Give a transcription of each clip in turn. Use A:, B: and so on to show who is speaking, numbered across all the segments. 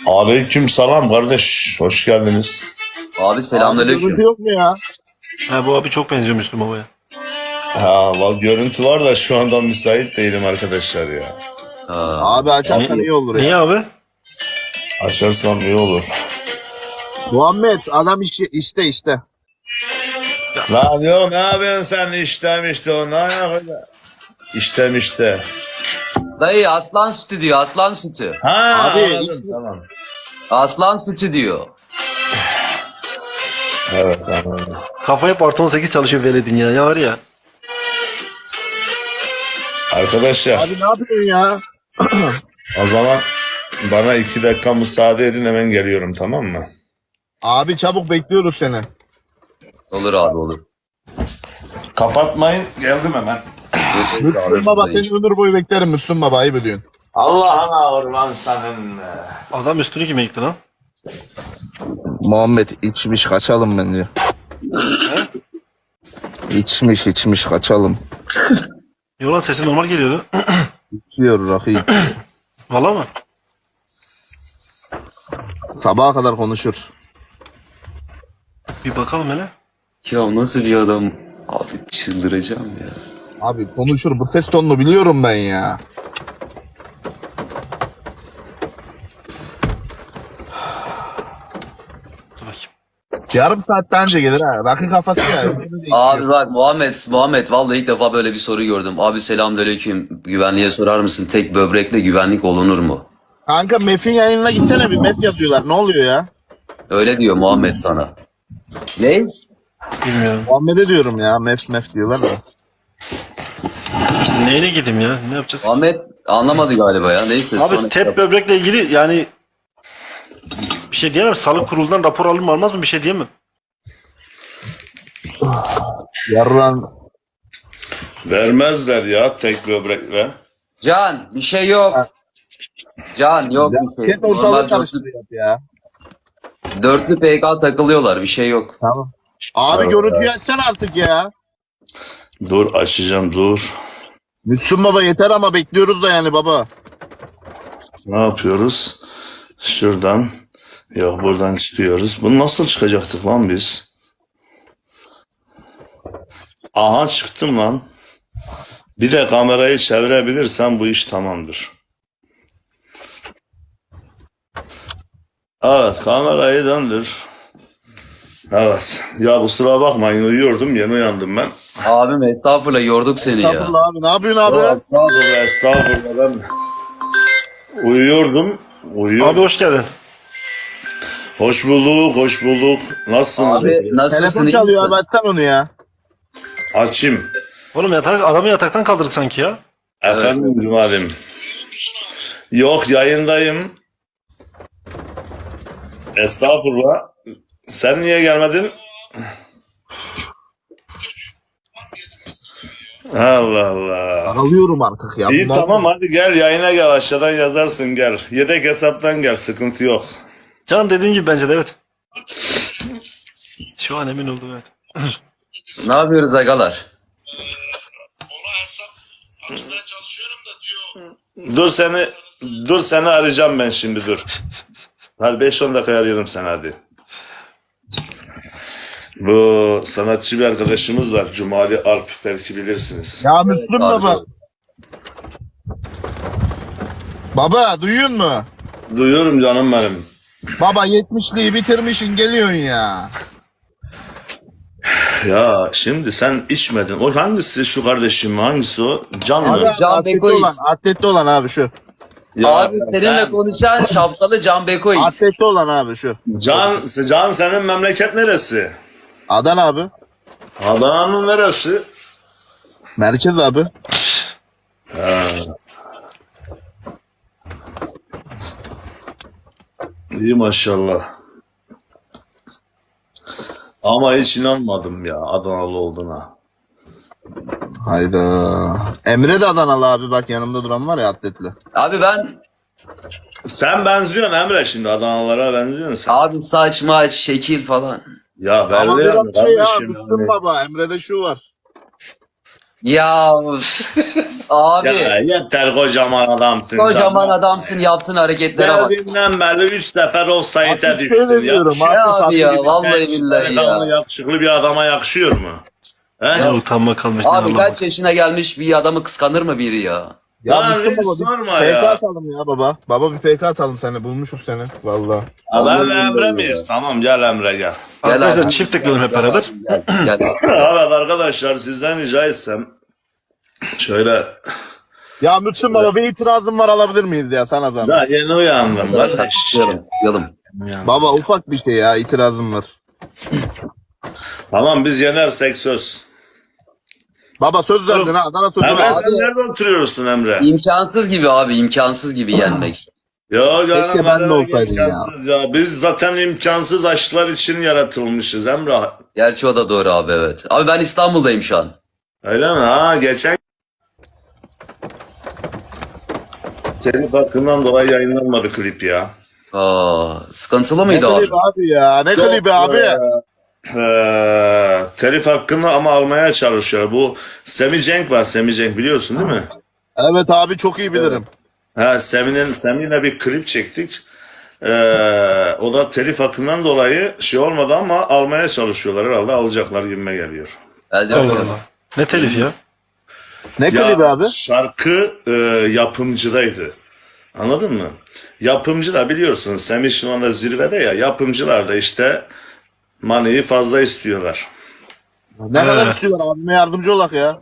A: Aleyküm selam kardeş. Hoş geldiniz.
B: Abi selamünaleyküm.
C: Görüntü yok mu ya?
D: Ha, bu abi çok benziyor Müslüm Baba'ya.
A: Görüntü var da şu anda müsait değilim arkadaşlar ya.
C: Abi açarsan iyi olur ya.
D: Niye abi?
A: Açarsam iyi olur.
C: Muhammed adam işte.
A: Lan yok, ne yapıyorsun sen? İşte o ne yapıyorsun? İşte.
B: Dayı aslan sütü diyor, aslan sütü.
A: Ha
C: Abi,
A: anladım, tamam.
B: Aslan sütü diyor.
A: Evet anladım.
D: Kafa hep artı 18 çalışıyor veledin ya. Ya var ya.
A: Arkadaşlar
C: Abi ne yapıyorsun ya?
A: o zaman bana 2 dakika müsaade edin, hemen geliyorum, tamam mı?
C: Abi çabuk bekliyoruz seni.
B: Olur abi olur.
A: Kapatmayın, geldim hemen.
C: Müslüm Baba seni ömür boyu beklerim Müslüm Baba, ayıp ediyorsun.
A: Allah'ına kurban senin.
D: Adam üstünü kime gitti lan?
C: Muhammed içmiş kaçalım bence. İçmiş kaçalım.
D: Yolan sesi normal geliyordu.
C: İçiyor rakıyı.
D: Valla mı?
C: Sabaha kadar konuşur.
D: Bir bakalım hele.
B: Ya nasıl bir adam? Abi çıldıracağım ya.
C: Abi konuşur, bu ses tonunu biliyorum ben ya.
D: Dur bakayım.
C: Yarım saatten önce gelir ha. Rakı kafası ya.
B: Abi bak Muhammed vallahi ilk defa böyle bir soru gördüm. Abi selamünaleyküm. Güvenliğe sorar mısın? Tek böbrekle güvenlik olunur mu?
C: Kanka Mef'in yayınına gitsene, bir Mef yazıyorlar. Ne oluyor ya?
B: Öyle diyor Muhammed sana. Ne?
D: Bilmiyorum.
C: Muhammed'e diyorum ya. Mef diyorlar da.
D: Neyine gideyim ya? Ne yapacağız?
B: Muhammed anlamadı galiba ya. Neyse.
D: Abi
B: sonra-
D: tep böbrekle ilgili yani bir şey diyemem. Sağlık kurulundan rapor alır mı almaz mı bir şey diyemem.
C: Yarran.
A: Vermezler ya tek böbrekle.
B: Can bir şey yok. Can yok bir şey.
C: Ket ortalığı
B: Normal
C: karıştırıyor ya.
B: dörtlü PK takılıyorlar bir şey yok.
C: Tamam. Abi görüntüyü açsana artık ya.
A: Dur açacağım, dur.
C: Müslüm Baba yeter ama bekliyoruz da yani baba.
A: Ne yapıyoruz? Şuradan. Yok, buradan çıkıyoruz. Bunu nasıl çıkacaktık lan biz? Aha, çıktım lan. Bir de kamerayı çevirebilirsen bu iş tamamdır. Evet, kamerayı döndür. Evet. Ya kusura bakmayın, uyuyordum, yeni uyandım ben.
B: Abim estağfurullah yorduk seni ya.
C: Estağfurullah abi, ne yapıyorsun abi?
A: Estağfurullah ben uyuyordum.
D: Abi hoş geldin.
A: Hoş bulduk. Nasılsınız?
B: Abi nasılsın
C: Telefon
B: iyi
C: çalıyor
B: misin?
C: abi, açsana onu ya.
A: Açayım.
D: Oğlum adamı yataktan kaldırdık sanki ya.
A: Efendim Cumalim. Yok, yayındayım. Estağfurullah. Sen niye gelmedin? Allah Allah.
C: Alıyorum artık ya.
A: İyi
C: Bunlar-
A: tamam, hadi gel yayına gel, aşağıdan yazarsın, gel. Yedek hesaptan gel, sıkıntı yok.
D: Can dediğin gibi bence de evet. Şu an emin oldum evet.
B: Ne yapıyoruz agalar?
A: Dur seni arayacağım ben şimdi, dur. Hadi 5-10 dakika arıyorum seni, hadi. Bu sanatçı bir arkadaşımız var, Cumali Alp, belki bilirsiniz.
C: Ya Müslüm
B: Abi,
C: Baba. Baba duyuyor mu?
A: Duyuyorum canım benim.
C: Baba 70'liği bitirmişsin, geliyorsun ya.
A: Ya şimdi sen içmedin. O hangisi, şu kardeşim, hangisi o? Can
C: Abi
A: mı?
B: Can
C: atletli
B: Bekovic.
C: olan, atletli olan abi şu.
A: Ya
B: Abi seninle konuşan şapkalı Can Bekovic.
C: Atletli olan abi şu.
A: Can senin memleket neresi?
C: Adana abi.
A: Adana'nın neresi?
C: Merkez abi.
A: İyi maşallah. Ama hiç inanmadım ya Adanalı olduğuna.
C: Hayda. Emre de Adanalı abi, bak yanımda duran var ya, atletli.
B: Abi ben
A: Sen benziyorsun Emre, şimdi Adanalılara benziyorsun sen.
B: abi saç maç şekil falan.
A: Ya
C: Ama
A: belli yani
C: biraz şey ya,
A: kardeşim
C: Müslüm
A: yani.
C: Baba, Emre'de şu var.
B: Ya abi
A: Ya yeter kocaman adamsın.
B: kocaman
A: canım.
B: adamsın yaptığın hareketlere bak.
A: Geldiğinden beri 3 sefer offside'e
C: Abi
A: düştün.
C: şöyle diyorum,
A: Yakışıyor
C: abi,
A: mu?
B: abi ya,
A: Bir
B: vallahi
A: genç,
B: billahi
A: delikanlı,
B: ya.
A: yakışıklı bir adama yakışıyor mu? He?
D: Ya utanma kalmış. ne
B: Abi
D: anlamı.
B: kaç yaşına gelmiş bir adamı kıskanır mı biri ya?
C: Ya
A: Lan
C: Müslüm
A: hiç
C: baba
A: sorma
C: bir
A: ya.
C: PK atalım ya baba. Baba bir PK atalım seni. Bulmuşuz seni. Valla.
A: Ha,
B: Vallahi
A: ben Emre
B: billahi
A: miyiz? Tamam gel Emre gel.
D: Arkadaşlar
B: abi.
D: çift tıklayalım hep beraber.
B: Gel.
A: Evet arkadaşlar sizden rica etsem şöyle
C: Ya Müslüm baba bir itirazım var, alabilir miyiz ya sana zahmet?
A: daha yeni uyandım kardeş.
B: Yalım.
C: Baba ufak bir şey ya, itirazım var.
A: Tamam biz yenersek söz.
C: Baba söz verdin ha, Adana sözü
A: Emre
C: ver.
A: sen nerede oturuyorsun Emre?
B: İmkansız gibi abi, imkansız gibi yenmek.
A: Ya
C: Keşke
A: canım
C: ben de
A: Emre,
C: olsaydım ya.
A: imkansız ya. Biz zaten imkansız aşklar için yaratılmışız Emre.
B: Gerçi o da doğru abi, evet. Abi ben İstanbul'dayım şu an.
A: Öyle mi? Ha geçen telif hakkından dolayı yayınlanmadı klip ya.
B: Sıkıntılı
C: Ne
B: mıydı abi?
C: klibi abi ya, ne klibi abi?
A: Telif hakkını ama almaya çalışıyor. Bu Semi Cenk var. Semi Cenk biliyorsun değil mi?
C: Evet abi, çok iyi bilirim.
A: Ha, Semi'yle bir klip çektik. O da telif hakkından dolayı şey olmadı ama almaya çalışıyorlar herhalde. Alacaklar gibime geliyor.
B: Elde
D: Allah
B: bakıyorum.
D: Allah. Ne telif ya?
C: Ne
A: Ya
C: klibi abi?
A: şarkı yapımcıdaydı. Anladın mı? Yapımcı da biliyorsun Semih şu anda zirvede ya. Yapımcılar da işte money'i fazla istiyorlar.
C: Ne kadar istiyorlar, abime yardımcı olak ya.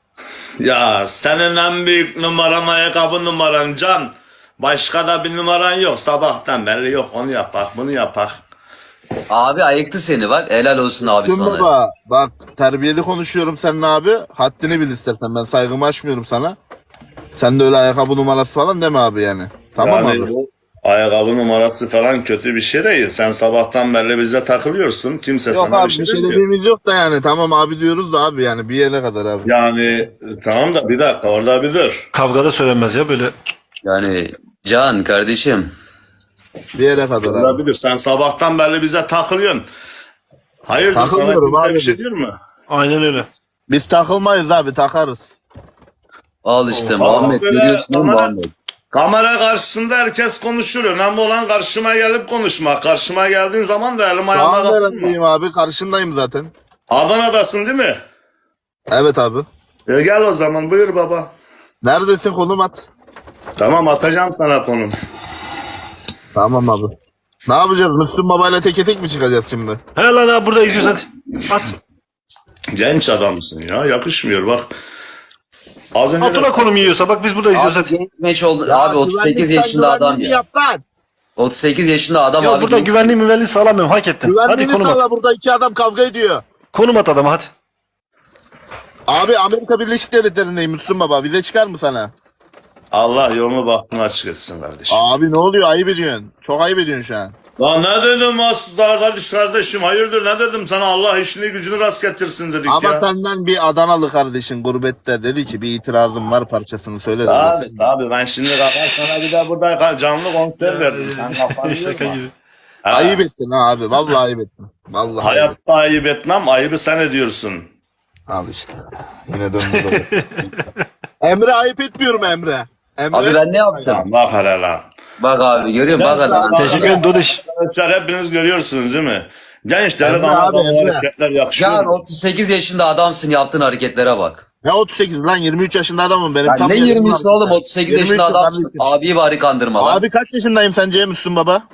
A: Ya senin en büyük numaran ayakkabı numaran Can. Başka da bir numaran yok. Sabahtan beri yok onu yapak bunu yapak.
B: Abi ayıktı seni bak. Helal olsun abi
C: Müslüm
B: sana.
C: baba bak, terbiyeli konuşuyorum seninle abi. Haddini bil istersen, ben saygımı aşmıyorum sana. Sen de öyle ayakkabı numarası falan deme abi yani. Tamam
A: Yani
C: abi.
A: bu ayakkabı numarası falan kötü bir şey değil. Sen sabahtan beri bize takılıyorsun. Kimse
C: Yok
A: sana
C: abi,
A: bir şey
C: bir şey
A: demiyor.
C: dediğimiz yok da yani, tamam abi diyoruz da abi, yani bir yere kadar abi.
A: Yani tamam da bir dakika orada bir dur.
D: Kavgada söylenmez ya böyle.
B: Yani Can kardeşim.
C: Bir yere kadar
A: Orada
C: abi.
A: bir dur. Sen sabahtan beri bize takılıyorsun. Hayırdır sana
C: Takılmıyorum
A: kimse
C: abi.
A: bir şey diyor mu?
D: Aynen öyle.
C: Biz takılmayız abi, takarız.
B: Al işte
A: Allah
B: Muhammed,
A: böyle
B: görüyorsun değil mi
A: kamera-
B: Muhammed?
A: Kamera karşısında herkes konuşur. Önemli olan karşıma gelip konuşmak. Karşıma geldiğin zaman da elim ayağıma
C: Tamam
A: kapatma.
C: neredeyim abi, karşındayım zaten.
A: Adana'dasın değil mi?
C: Evet abi.
A: Gel o zaman buyur baba.
C: Neredesin, konum at.
A: Tamam atacağım sana konum.
C: Tamam abi. Ne yapacağız? Müslüm babayla teke tek mi çıkacağız şimdi?
D: He lan ha burada izliyoruz hadi. At.
A: Genç adamsın ya yakışmıyor bak. Az önce de
D: Atına konum yiyorsa bak biz burada izliyoruz
B: Abi
D: hadi.
B: genç meç oldu. Abi 38 yaşında adam ya.
C: Yap lan.
B: 38 yaşında adam
D: Ya
B: abi.
D: burada
B: genç-
D: güvenliği sağlamıyorum hak ettin. Hadi
C: Güvenliğini
D: konum at.
C: sağla, burada iki adam kavga ediyor.
D: Konum at adama hadi.
C: Abi Amerika Birleşik Devletleri'ndeyim Müslüm baba. Vize çıkar mı sana?
A: Allah yolunu bahtını açık etsin kardeşim.
C: Abi ne oluyor? Ayıp ediyorsun. Çok ayıp ediyorsun şu an.
A: Lan ne dedim kardeşim hayırdır ne dedim sana Allah işini gücünü rast getirsin dedik
C: Ama
A: ya.
C: senden bir Adanalı kardeşin gurbette dedi ki bir itirazım var, parçasını söyle dedi.
A: Abi ben şimdi kalkar sana bir de burada canlı konser verdim. Sen kafanı
D: Şaka
A: yorma.
D: gibi.
A: Ha,
C: Ayıp ettin ha abi. Vallahi ayıp ettin. Vallahi ayıp ettin.
A: hayatta ayıp etmem ayıbı sen ediyorsun.
C: Al işte. Yine döndü. Emre ayıp etmiyorum Emre. Emre.
B: Abi ben ne yaptım?
A: Sen bak hele lan.
B: Bak abi görüyor musun? Bak
A: Ben
B: hele.
A: sana-
D: Teşekkür ederim Dodiş.
A: Arkadaşlar hepiniz görüyorsunuz değil mi? Genç
C: Emre
A: delikanlı
C: abi,
A: adamı
C: Emre.
A: hareketler yakışıyor.
B: Can 38 yaşında adamsın, yaptığın hareketlere bak.
C: Ne 38 lan, 23 yaşında adamım benim.
B: Ya
C: tam
B: ne
C: yaşım
B: 23
C: var.
B: oğlum, 38 yaşında
C: 23
B: adamsın.
C: kardeşim.
B: Abiyi bari kandırma lan.
C: Abi kaç yaşındayım sence Müslüm baba?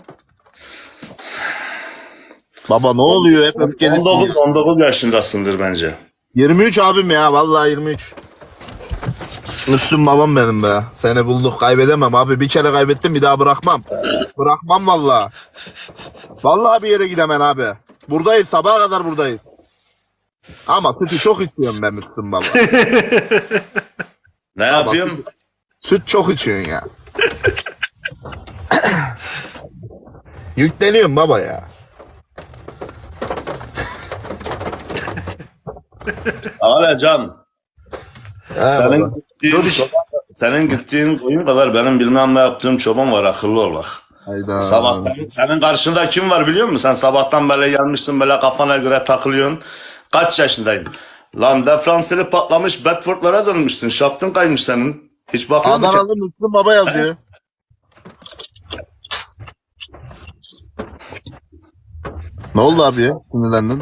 C: Baba ne oluyor, hep öfkelisin
A: 19,
C: ya.
A: 19 yaşındasındır bence.
C: 23 abim ya, vallahi 23. Müslüm babam benim be. Seni bulduk, kaybedemem abi. Bir kere kaybettim, bir daha bırakmam. Bırakmam vallahi. Vallahi bir yere gidemem abi. Buradayız, sabaha kadar buradayız. Ama sütü çok içiyorum ben Müslüm baba.
A: Ne yapayım?
C: Süt çok içiyorsun ya. Yükleniyorum baba ya.
A: Hala Can.
C: He
A: Senin
C: baba.
A: gittiğin, senin gittiğin koyun kadar benim bilmem ne yaptığım çoban var akıllı ol bak.
C: Hayda.
A: Sabahtan senin karşında kim var biliyor musun? Sen sabahtan böyle gelmişsin böyle kafana göre takılıyorsun. Kaç yaşındayım? Lan Defranseli patlamış Bedford'lara dönmüşsün. Şaftın kaymış senin. Hiç bakıyor musun?
C: Adanalı Müslüm Baba yazıyor. Ne oldu abi ya? Sinirlendin.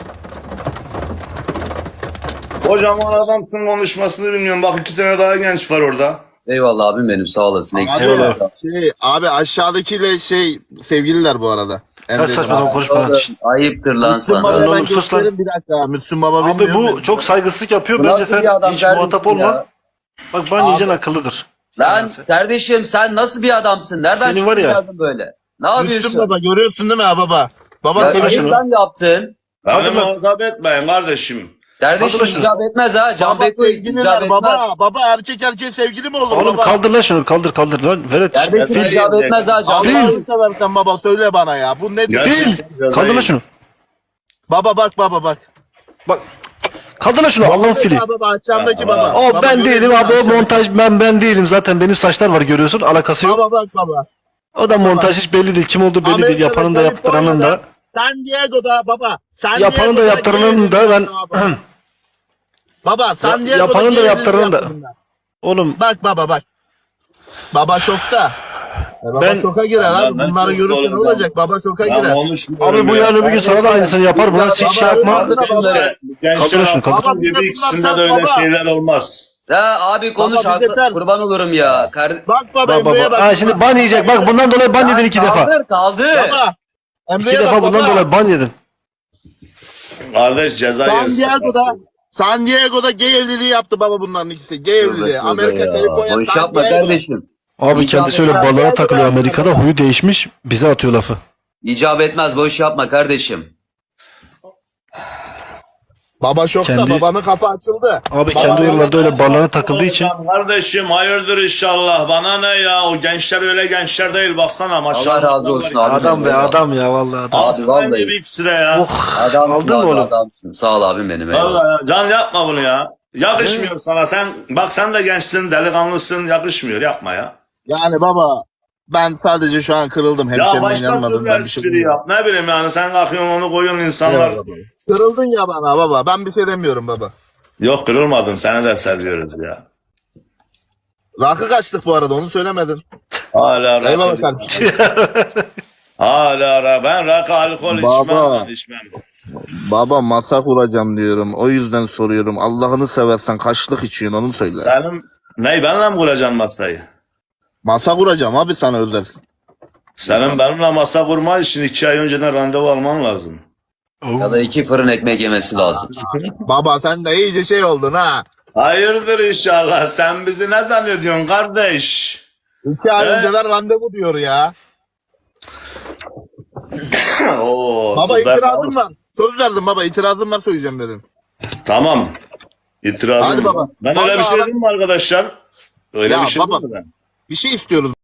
A: Kocaman adamsın, konuşmasını bilmiyorum. Bak 2 tane daha genç var orada.
B: Eyvallah abim benim, sağ olasın. Eksik
C: Abi,
B: olma.
C: abi aşağıdakiyle sevgililer bu arada.
D: Kaç saçma sapan konuşma lan.
B: Oğlum, ayıptır lan
C: Müslüm
B: sana.
C: Baba'ya ben
D: oğlum, sus lan.
C: gösteririm bir dakika. Müslüm Baba
D: Abi
C: bilmiyorum.
D: bu çok saygısızlık yapıyor.
B: Bu
D: Bence
B: nasıl
D: sen
B: bir adam
D: hiç
B: kardeşim
D: muhatap
B: ya?
D: olma. Bak ben yiyeceksin akıllıdır.
B: Lan
D: Neyse.
B: kardeşim sen nasıl bir adamsın? Nereden
D: Senin var ya-
B: çıkardın böyle? Ne
C: Müslüm
B: yapıyorsun?
C: Baba görüyorsun değil mi ha baba? Baba
B: Ya,
C: seni
D: şunu.
B: ayıptan yaptın.
A: Beni
D: Hadi lan.
A: muhatap etmeyin kardeşim.
B: Kardeşim
D: Hadi lan şunu.
B: icap etmez ha. Can
C: Baba
B: Beko icap
C: sevgililer
B: etmez.
C: baba erkek erkeğe sevgili mi olur
D: Oğlum
C: baba?
D: kaldır lan şunu kaldır lan. Velet.
B: Kardeşim
A: Fil.
B: icap etmez ha. Can
C: Allah'ını
B: Beko.
C: seversen baba söyle bana ya. Bu nedir?
A: Gerçekten
D: Kaldır lan şunu.
C: Baba bak.
D: Bak. Kaldır lan şunu Allah'ın fili.
C: Baba aşağımdaki baba.
D: O
C: Baba,
D: ben değilim
C: görüyorsun
D: abi o
C: aşağıdaki.
D: montaj ben değilim zaten benim saçlar var görüyorsun alakası yok.
C: Baba bak baba.
D: O da montaj hiç belli değil kim olduğu belli değil
C: Amerika'da,
D: yapanın da yaptıranın da.
C: Kaliforniya'da, San Diego'da baba. San
D: Yapanın da
C: Diego'da
D: yaptıranın da ben
C: Baba San Diego'da
D: yapanın da
C: gay
D: yaptıranın da.
C: evliliği yaptım
D: Oğlum
C: ben. Bak. Baba şokta. Baba
D: Ben-
C: şoka girer
A: Ben
C: abi. Bunları
A: şok
C: görürse ne
A: oğlum,
C: olacak? Baba şoka
A: Ben
C: girer.
A: konuşmuyorum
D: abi bu
A: ya.
D: yarın bir gün sana da aynısını yapar buna hiç şey yapma.
B: Kaldır şunları.
A: Gençler
D: Kaldır şunu, kaldır.
A: aslan gibi ikisinde de öyle
C: Baba.
A: şeyler olmaz.
B: Ya abi konuş
C: Baba,
B: haklı.
C: yeter.
B: Kurban olurum ya.
C: Bak baba
D: Bak
C: Emre'ye bak.
D: Ha şimdi ban yiyecek bak bundan dolayı ban yedin 2 defa.
B: Kaldır.
C: Baba. Emre'ye
D: 2 defa
C: bak
D: bundan
C: baba.
D: dolayı ban yedin.
A: Kardeş ceza yersin.
C: San Diego'da gay evliliği yaptı baba bunların ikisi. Gay evliliği. Amerika, Kaliforniya,
B: Boş
C: San
B: yapma
C: Diego.
B: kardeşim.
D: Abi
B: İcap
D: kendisi öyle
C: etmez.
D: ballara takılıyor Amerika'da huyu değişmiş bize atıyor lafı.
B: İcap etmez, boş yapma kardeşim.
C: Baba şokta.
D: Kendi-
C: Babanın kafa açıldı.
D: Abi
C: Baba-
D: kendi uyarılarda öyle ballara takıldığı için.
A: Kardeşim hayırdır inşallah. Bana ne ya? O gençler öyle gençler değil. Baksana maşallah.
B: Allah razı olsun abi.
D: Adam be adam ya vallahi adam.
B: Abi
A: Aslan
B: vallahi.
A: gibi ikisi de ya.
B: Adamsın
D: Aldın mı
B: abi,
D: oğlum?
B: adamsın. Sağ ol abim benim. eyvallah.
A: Vallahi ya. Can yapma bunu ya. Yakışmıyor sana. Sen de gençsin, delikanlısın. Yakışmıyor. Yapma ya.
C: Yani baba ben sadece şu an kırıldım.
A: Ya
C: Hemşerimin
A: başka türlü
C: yanmadığından bir şey
A: espri yap. Ne bileyim yani sen kalkıyorsun onu koyuyorsun insanlar.
C: Kırıldın ya bana baba. Ben bir şey demiyorum baba.
A: Yok kırılmadım. Seni de seviyoruz ya.
C: Rakı kaçtık bu arada onu söylemedin.
A: Hala
C: Eyvallah
A: rakı.
C: kardeşim.
A: Ben rakı alkol
C: Baba.
A: içmem lan içmem.
C: Baba masa kuracağım diyorum. O yüzden soruyorum. Allah'ını seversen kaçlık içiyorsun onu söyle.
A: Senin benimle mi kuracaksın masayı?
C: Masa kuracağım abi sana özel.
A: Senin benimle masa kurman için 2 ay önceden randevu alman lazım.
B: Ya da 2 fırın ekmek yemesi lazım.
C: Baba sen de iyice şey oldun ha.
A: Hayırdır inşallah. Sen bizi ne zannediyorsun kardeş?
C: 2 ay
A: Evet.
C: önceden randevu diyor ya.
A: Oo,
C: Baba
A: süper
C: itirazım
A: olmuş.
C: var. Söz verdim baba itirazım var söyleyeceğim dedim.
A: Tamam. İtirazım
C: Hadi
A: var.
C: baba.
A: Ben öyle bir
C: Vallahi
A: şey
C: bak-
A: dedim mi arkadaşlar? Öyle
C: Ya
A: bir şey
C: baba.
A: dedim mi ben?
C: Bir şey istiyoruz